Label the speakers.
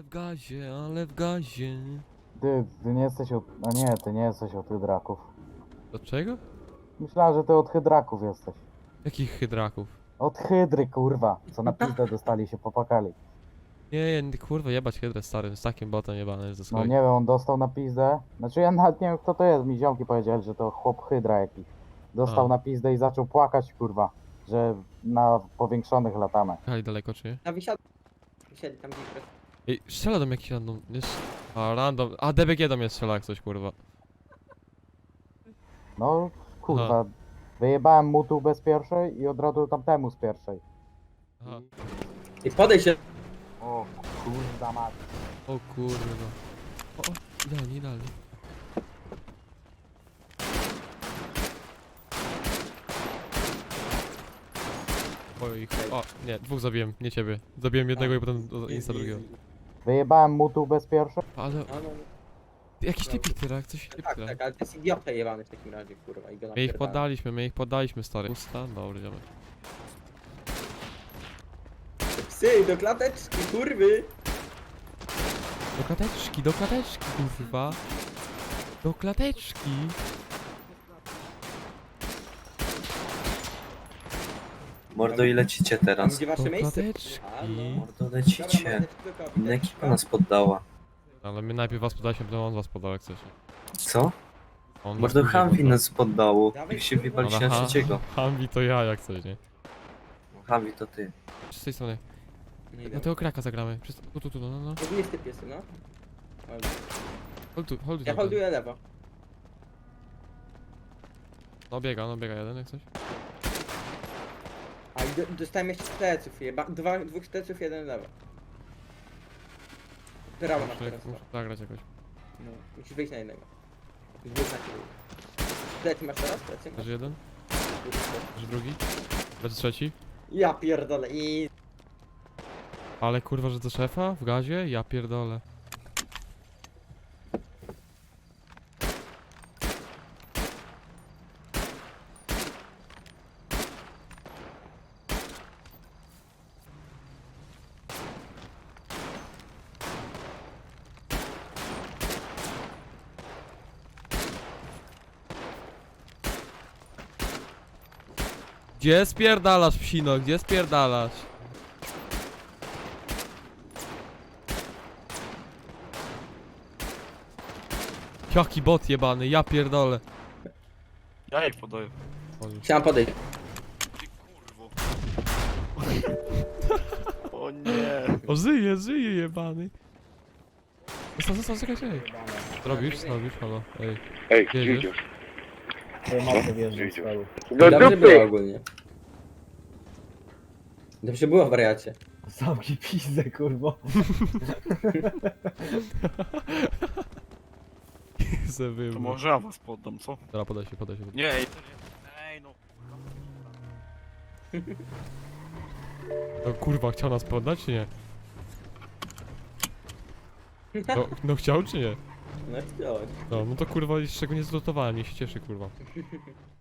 Speaker 1: Ale w gazie, ale w gazie.
Speaker 2: Ty nie jesteś od... A nie, ty nie jesteś od hydraków.
Speaker 1: Od czego?
Speaker 2: Myślałem, że ty od hydraków jesteś.
Speaker 1: Jakich hydraków?
Speaker 2: Od hydry, kurwa. Co na pizdę dostali się popakali.
Speaker 1: Nie, kurwa, jebać hydrę stary, z takim botem jebany ze
Speaker 2: No
Speaker 1: swojej.
Speaker 2: nie wiem, on dostał na pizdę. Znaczy ja nawet nie wiem kto to jest. Mi ziomki powiedzieli, że to chłop hydra jakiś. Dostał
Speaker 1: A.
Speaker 2: na pizdę i zaczął płakać, kurwa. Że na powiększonych latamy.
Speaker 1: Jechali daleko czy nie?
Speaker 3: Na wisieli tam gdzieś.
Speaker 1: Ej, strzela do mnie jakiś random, jest... A, random, a DBG do mnie strzela jak coś, kurwa.
Speaker 2: No, kurwa. Wyjebałem mu tu bez pierwszej i od razu tamtemu z pierwszej.
Speaker 1: Aha.
Speaker 3: I podejdź się.
Speaker 2: O kurwa mać.
Speaker 1: O kurwa. O, idealnie, idealnie. Oj, o, nie, dwóch zabiłem, nie ciebie. Zabiłem jednego i potem insta drugiego.
Speaker 2: Wyjebałem mu tu bez pierwszej.
Speaker 1: Ale,
Speaker 3: No, no.
Speaker 1: jakiś typik tyle, coś typik
Speaker 3: Tak,
Speaker 1: tyle.
Speaker 3: tak, ale to jest idiota jebany w takim razie, kurwa. I go
Speaker 1: My ich
Speaker 3: napierdala.
Speaker 1: poddaliśmy, stary. Usta? Dobra, idziemy.
Speaker 3: Psy, do klateczki, kurwy!
Speaker 1: Do klateczki, kurwa. Do klateczki.
Speaker 4: Mordo, i lecicie
Speaker 3: Tam
Speaker 4: teraz?
Speaker 3: gdzie wasze
Speaker 1: Do
Speaker 3: miejsce?
Speaker 1: klateczki.
Speaker 3: A, no.
Speaker 4: Mordo,
Speaker 3: Dobra,
Speaker 4: lecicie.
Speaker 3: mordeczko,
Speaker 4: Inna ekipa nas poddała.
Speaker 1: Ale my najpierw was podaliśmy, potem on was podał, jak chcesz.
Speaker 4: Co?
Speaker 1: On was
Speaker 4: Mordo,
Speaker 1: później
Speaker 4: Humvee
Speaker 1: poddał.
Speaker 4: nas poddało. Jak się wywaliście na trzeciego.
Speaker 1: Humvee to ja, jak coś, nie?
Speaker 4: Humvee to ty.
Speaker 1: Z tej strony.
Speaker 3: Nie
Speaker 1: No
Speaker 3: idę.
Speaker 1: tego kraka zagramy. Tu, no.
Speaker 3: To nie typ jest, no.
Speaker 1: Hold tu.
Speaker 3: Ja holduję lewo.
Speaker 1: No biega jeden, jak coś.
Speaker 3: A i dostałem jeszcze pleców, dwóch pleców, jeden lewo. Prawo masz teraz.
Speaker 1: Muszę zagrać jakoś.
Speaker 3: No, musisz wyjść na jednego. Dwóch na ciebie. Plecy masz teraz? Plecy masz?
Speaker 1: Leży jeden, leży drugi, leży trzeci.
Speaker 3: Ja pierdolę i...
Speaker 1: Ale kurwa, że do szefa? W gazie? Ja pierdolę. Gdzie spierdalasz, psino? Gdzie spierdalasz? Jaki bot jebany, ja pierdolę.
Speaker 5: Ja jej podaję.
Speaker 3: Chciałem podejść.
Speaker 5: Ty kurwo. O nie.
Speaker 1: O, żyje jebany. Zostaw, czekaj. Robisz, halo, ej.
Speaker 6: Ej,
Speaker 1: Gdzie
Speaker 6: gdzie
Speaker 1: idziesz?
Speaker 6: idziesz?
Speaker 3: Dobrze było ogólnie. Dobrze było, wariacie.
Speaker 2: Zamknij pizdę, kurwo.
Speaker 1: Zawył.
Speaker 5: To może ja was poddam, co?
Speaker 1: Dobra, podaj się.
Speaker 5: Nie, ej, to nie. Ej, no.
Speaker 1: No kurwa, chciał nas poddać, czy nie? No chciał, czy nie?
Speaker 3: No chciałem.
Speaker 1: No to kurwa, jeszcze go nie zlotowałem, niech się cieszy, kurwa.